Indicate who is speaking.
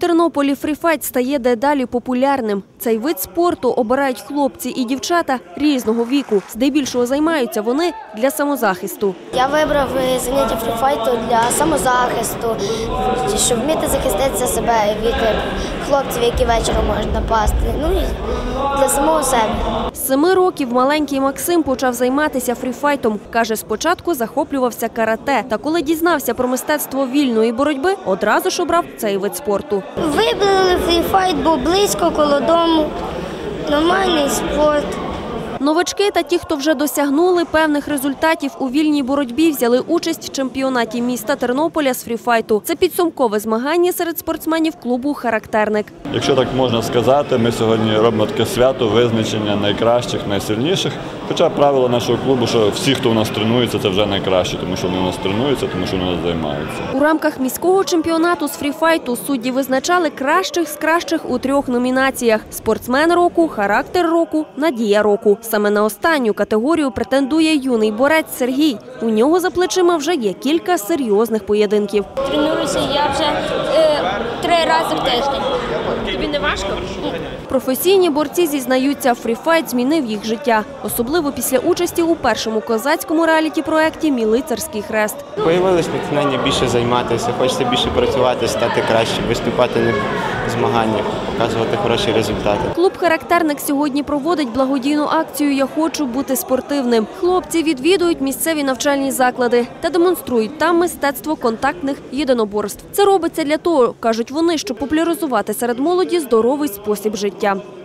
Speaker 1: Тернополі фріфайт стає дедалі популярним. Цей вид спорту обирають хлопці і дівчата різного віку. Здебільшого займаються вони для самозахисту.
Speaker 2: Я вибрав заняття фріфайту для самозахисту, щоб вміти захистити себе від хлопців, які вечором можуть напасти. Ну і для самого себе.
Speaker 1: З 7 років маленький Максим почав займатися фріфайтом. Каже, спочатку захоплювався карате. Та коли дізнався про мистецтво вільної боротьби, одразу ж обрав цей вид спорту.
Speaker 2: Вибрали фріфайт, бо близько, коло дому. Нормальний спорт.
Speaker 1: Новачки та ті, хто вже досягнули певних результатів у вільній боротьбі, взяли участь в чемпіонаті міста Тернополя з фріфайту. Це підсумкове змагання серед спортсменів клубу «Характерник».
Speaker 3: Якщо так можна сказати, ми сьогодні робимо таке свято визначення найкращих, найсильніших. Хоча правило нашого клубу, що всі, хто у нас тренується, це вже найкраще, тому що вони у нас тренуються, тому що вони у нас займаються.
Speaker 1: У рамках міського чемпіонату з фріфайту судді визначали кращих з кращих у 3 номінаціях – спортсмен року, характер року, надія року. Саме на останню категорію претендує юний борець Сергій. У нього за плечима вже є кілька серйозних поєдинків.
Speaker 4: Тренуюся я вже 3 рази в тиждень. Тобі не важко?
Speaker 1: Професійні борці зізнаються, фріфайт змінив їх життя. Особливо після участі у першому козацькому реаліті-проєкті «Мій лицарський хрест».
Speaker 5: Появилось натхнення більше займатися, хочеться більше працювати, стати краще, виступати на змаганнях, показувати хороші результати.
Speaker 1: Клуб «Характерник» сьогодні проводить благодійну акцію «Я хочу бути спортивним». Хлопці відвідують місцеві навчальні заклади та демонструють там мистецтво контактних єдиноборств. Це робиться для того, кажуть вони, щоб популяризувати серед молоді здоровий спосіб життя.